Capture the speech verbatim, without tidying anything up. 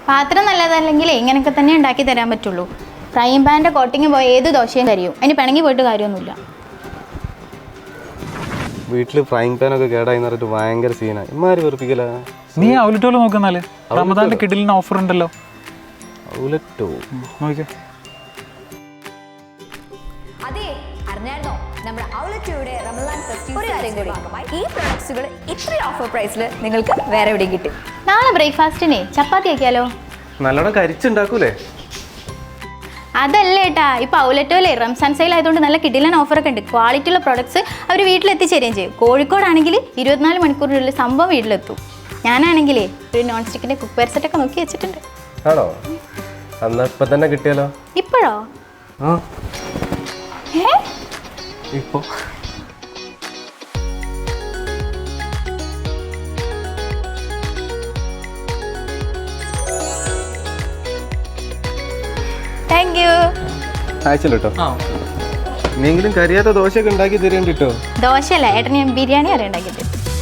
പാത്രം നല്ലതല്ലെങ്കിൽ ഇങ്ങനെയൊക്കെ തന്നെ ഉണ്ടാക്കി തരാൻ പറ്റുള്ളൂ. ഫ്രൈ പാൻ്റെ കോട്ടിങ് പോയ ഏത് ദോശയും കരിയും. അതിന് പിണങ്ങി പോയിട്ട് കാര്യമൊന്നുമില്ല. വീട്ടിൽ ഫ്രൈങ് പാനൊക്കെ കേടായി പറഞ്ഞിട്ട് ഭയങ്കര സീനാണ്. ഇമാര് വെറുപ്പിക്കല. നീ ഔലറ്റോല് നോക്കുന്നാല് റമദാന്റെ കിഡിലിന് ഓഫർ ഉണ്ടല്ലോ. ഔലറ്റോ നോക്കിയോ. അതെ, അറിഞ്ഞായിരുന്നോ നമ്മുടെ ഔലറ്റോയുടെ റമദാൻ ഫെസ്റ്റിവൽ ഭാഗമായി ഈ പ്രൊഡക്ട്സുകൾ ഇത്രയും ഓഫർ പ്രൈസിൽ നിങ്ങൾക്ക് വേറെ എവിടെയും കിട്ടും. നാളെ ബ്രേക്ക്ഫാസ്റ്റിനെ ചപ്പാത്തി ആക്കിയാലോ? നല്ലോണം കരിച്ചുണ്ടാക്കൂലേ? അതല്ല ഏട്ടാ, ഇപ്പോൾ ഔലറ്റോയിലെ റംസാൻ സെയിൽ ആയതുകൊണ്ട് നല്ല കിടിലൻ ഓഫറൊക്കെ ഉണ്ട്. ക്വാളിറ്റി ഉള്ള പ്രൊഡക്ട്സ് അവർ വീട്ടിലെത്തിച്ചേരുകയും ചെയ്യും. കോഴിക്കോടാണെങ്കിൽ ഇരുപത്തിനാല് മണിക്കൂറിനുള്ളിൽ സംഭവം വീട്ടിലെത്തും. ഞാനാണെങ്കിലേ ഒരു നോൺ സ്റ്റിക്കിൻ്റെ കുക്ക് വെയർ സെറ്റൊക്കെ നോക്കി വെച്ചിട്ടുണ്ട്. ആണോ? എന്നാൽ ഇപ്പം തന്നെ കിട്ടിയാലോ? ഇപ്പോഴോ? ആ ഏ ഇപ്പോൾ താങ്ക് യു. അയച്ചല്ലോ കേട്ടോ. നീങ്കിലും കരിയാത്ത ദോശയൊക്കെ ഉണ്ടാക്കി തരേണ്ടിട്ടോ. ദോശയല്ല ഏട്ടന് ഞാൻ ബിരിയാണി അറിയാൻ ഉണ്ടാക്കിയിട്ട്.